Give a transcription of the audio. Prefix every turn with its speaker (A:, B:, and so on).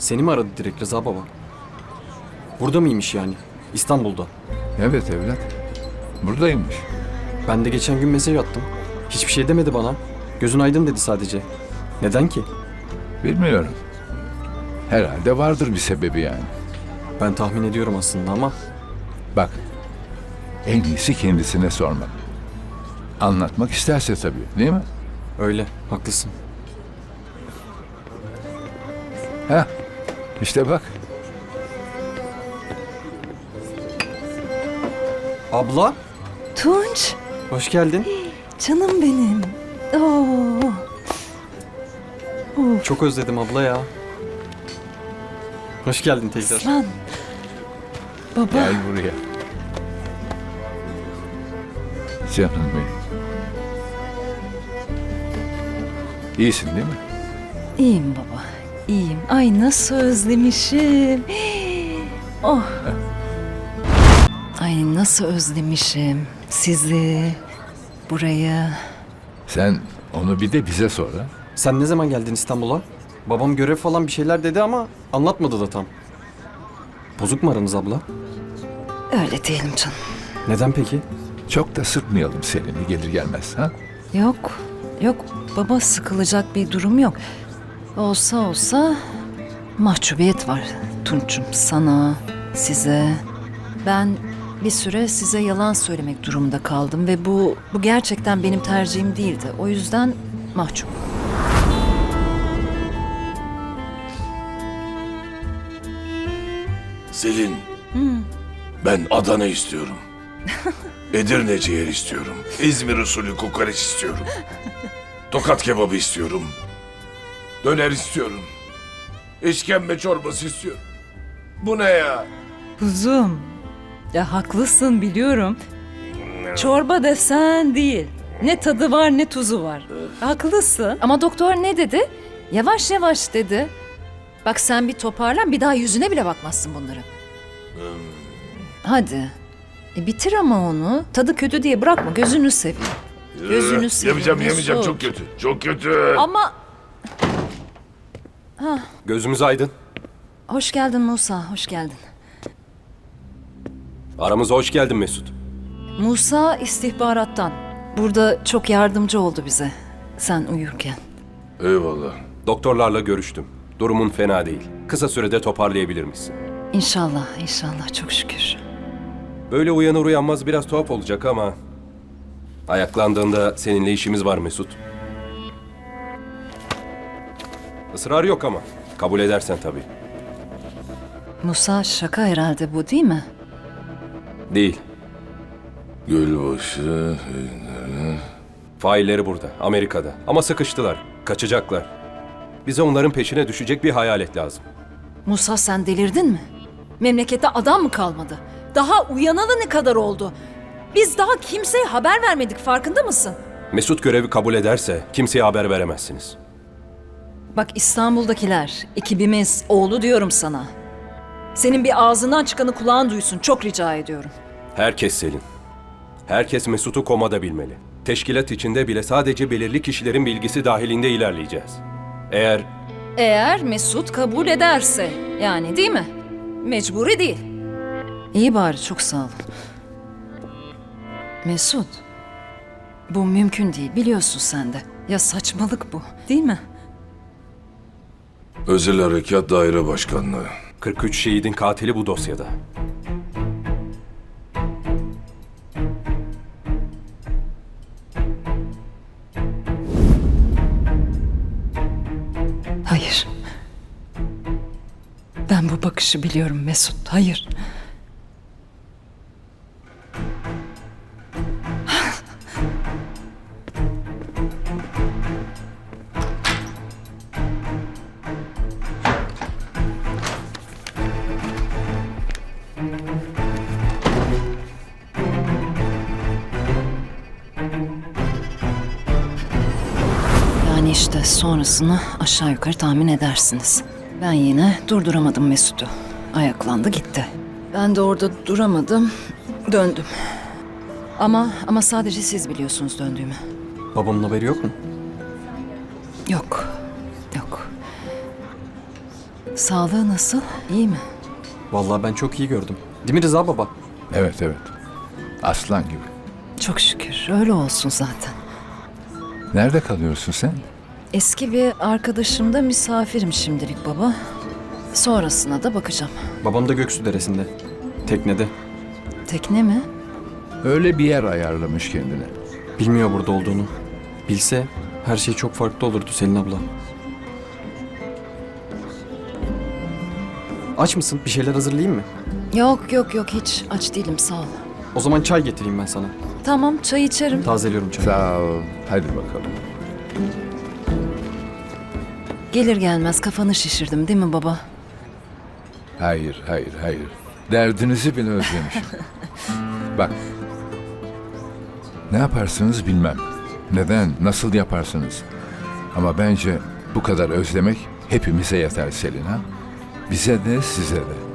A: Seni mi aradı direkt Rıza baba? Burada mıymış yani? İstanbul'da.
B: Evet evlat. Buradaymış.
A: Ben de geçen gün mesaj attım. Hiçbir şey demedi bana. Gözün aydın dedi sadece. Neden ki?
B: Bilmiyorum. Herhalde vardır bir sebebi yani.
A: Ben tahmin ediyorum aslında ama
B: Bak. En iyisi kendisine sormak. Anlatmak isterse tabii, değil mi?
A: öyle. Haklısın.
B: Ha? İşte bak.
A: Abla,
C: Tunç,
A: hoş geldin.
C: canım benim. Oo,
A: Çok özledim abla ya. Hoş geldin tekrar.
C: aslan. Baba,
B: Gel buraya. Canım benim. İyisin değil mi?
C: iyiyim baba, iyiyim. Ay nasıl özlemişim. Oh. Ay nasıl özlemişim sizi, burayı.
B: Sen onu bir de bize sor ha.
A: Sen ne zaman geldin İstanbul'a? Babam görev falan bir şeyler dedi ama anlatmadı da tam. Bozuk mu aranız abla?
C: Öyle diyelim canım.
A: Neden peki?
B: Çok da sıkmayalım Selin'i gelir gelmez ha.
C: Yok, yok baba sıkılacak bir durum yok. Olsa mahcubiyet var Tunç'um sana, size. Ben bir süre size yalan söylemek durumunda kaldım ve bu gerçekten benim tercihim değildi. O yüzden mahcup.
D: Selin, ben Adana istiyorum. Edirne ciğer istiyorum. İzmir usulü kokoreç istiyorum. Tokat kebabı istiyorum. Döner istiyorum. İşkembe çorbası istiyorum. Bu ne ya?
C: Kuzum, ya haklısın biliyorum. Çorba desen değil. Ne tadı var ne tuzu var. Haklısın. Ama doktor ne dedi? Yavaş yavaş dedi. Bak sen bir toparlan bir daha yüzüne bile bakmazsın bunların. Hadi. Bitir ama onu. Tadı kötü diye bırakma. Gözünü seveyim. Gözünü seveyim.
D: Yemeyeceğim
C: Mesut.
D: çok kötü. Çok kötü.
C: Ama
E: Gözümüz aydın.
C: hoş geldin Musa, hoş geldin.
E: Aramıza hoş geldin Mesut.
C: Musa istihbarattan. Burada çok yardımcı oldu bize. Sen uyurken.
D: Eyvallah.
E: Doktorlarla görüştüm. Durumun fena değil. Kısa sürede toparlayabilir misin?
C: İnşallah, inşallah çok şükür.
E: Böyle uyanır uyanmaz biraz tuhaf olacak ama... Ayaklandığında seninle işimiz var Mesut. Israr yok ama. Kabul edersen tabii.
C: Musa şaka herhalde bu değil mi?
E: Değil.
D: Gölbaşı.
E: Failleri burada, Amerika'da. Ama sıkıştılar. Kaçacaklar. Bize onların peşine düşecek bir hayalet lazım.
C: Musa sen delirdin mi? Memlekette adam mı kalmadı? Daha uyanalı ne kadar oldu? Biz daha kimseye haber vermedik farkında mısın?
E: Mesut görevi kabul ederse kimseye haber veremezsiniz.
C: Bak İstanbul'dakiler, ekibimiz, oğlu diyorum sana. Senin bir ağzından çıkanı kulağın duysun çok rica ediyorum.
E: Herkes Selin. Herkes Mesut'u komada bilmeli. Teşkilat içinde bile sadece belirli kişilerin bilgisi dahilinde ilerleyeceğiz.
C: Eğer Mesut kabul ederse yani değil mi? Mecburi değil. İyi bari çok sağ ol. Mesut, bu mümkün değil biliyorsun sen de. Ya saçmalık bu değil mi?
D: Özel Harekat Daire Başkanlığı.
E: 43 şehidin katili bu dosyada.
C: Hayır. Ben bu bakışı biliyorum Mesut. Hayır. Yani işte sonrasını aşağı yukarı tahmin edersiniz. Ben yine durduramadım Mesut'u. Ayaklandı gitti. Ben de orada duramadım, döndüm. Ama sadece siz biliyorsunuz döndüğümü.
A: Babamın haberi yok mu?
C: Yok, yok. Sağlığı nasıl? İyi mi?
A: Vallahi ben çok iyi gördüm. Değil mi Rıza baba?
B: Evet evet. Aslan gibi.
C: Çok şükür. Öyle olsun zaten.
B: Nerede kalıyorsun sen?
C: Eski bir arkadaşımda misafirim şimdilik baba. Sonrasına da bakacağım.
A: Babam da Göksu Deresi'nde. Teknede.
C: Tekne mi?
B: Öyle bir yer ayarlamış kendine.
A: Bilmiyor burada olduğunu. Bilse her şey çok farklı olurdu Selin abla. Aç mısın? Bir şeyler hazırlayayım mı?
C: Yok hiç aç değilim sağ ol.
A: O zaman çay getireyim ben sana.
C: Tamam çay içerim.
A: Tazeliyorum çayı.
B: Sağ ol. Hadi bakalım.
C: Gelir gelmez kafanı şişirdim değil mi baba?
B: Hayır. Derdinizi bile özlemişim. Bak. Ne yaparsınız bilmem. Neden, nasıl yaparsınız? Ama bence bu kadar özlemek hepimize yeter Selin ha. Bize de size de.